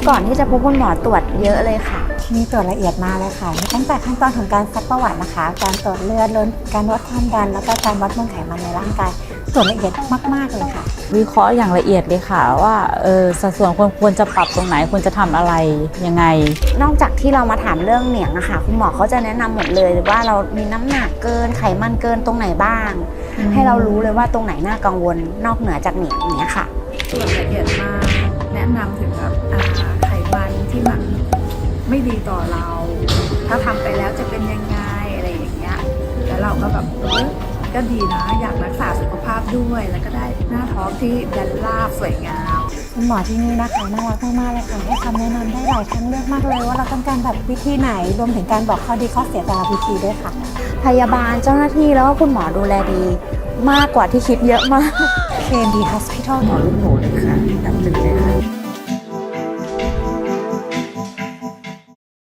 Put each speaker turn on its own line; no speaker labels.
ก่อนที่จะพบคุณหมอตรวจเยอะเลยค่ะ
มีตรวจละเอียดมากเลยค่ะมีตั้งแต่ขั้นตอนของการซักประวัตินะคะ การตรวจเลือดการวัดความดันแล้วก็การวัดมวลไขมันในร่างกายตรวจละเอียดมากๆเลยค่ะ
วิเคราะห์อย่างละเอียดเลยค่ะว่าสัดส่วนควรจะปรับตรงไหนควรจะทำอะไรยังไง
นอกจากที่เรามาถามเรื่องเหนียงอะค่ะคุณหมอเขาจะแนะนำหมดเลยว่าเรามีน้ำหนักเกินไขมันเกินตรงไหนบ้างให้เรารู้เลยว่าตรงไหนน่ากังวลนอกเหนือจากเหนียงเนี้ยค่ะ
ตรวจละเอียดมากแนะนำถึงแบบไขมันที่มันไม่ดีต่อเรา ถ้าทำไปแล้วจะเป็นยังไงอะไรอย่างเงี้ยแล้วเราก็แบบก็ดีนะอยากรักษาสุขภาพด้วยแล้วก็ได้หน้าท้องที่แบนราบสวยงาม
คุณหมอที่นี่นะคะน่ารักมากๆเลยค่ะให้คำแนะนำได้หลายทางเลือกมากเลยว่าเราต้องการแบบวิธีไหนรวมถึงการบอกข้อดีข้อเสียแต่ละวิธีด้วยค่ะ
พยาบาลเจ้าหน้าที่แล้วก็คุณหมอดูแลดีมากกว่าที่คิดเยอะมาก
KMD Hospital
หมอลูกหมูเลยค่ะดับตึงเลยค่ะ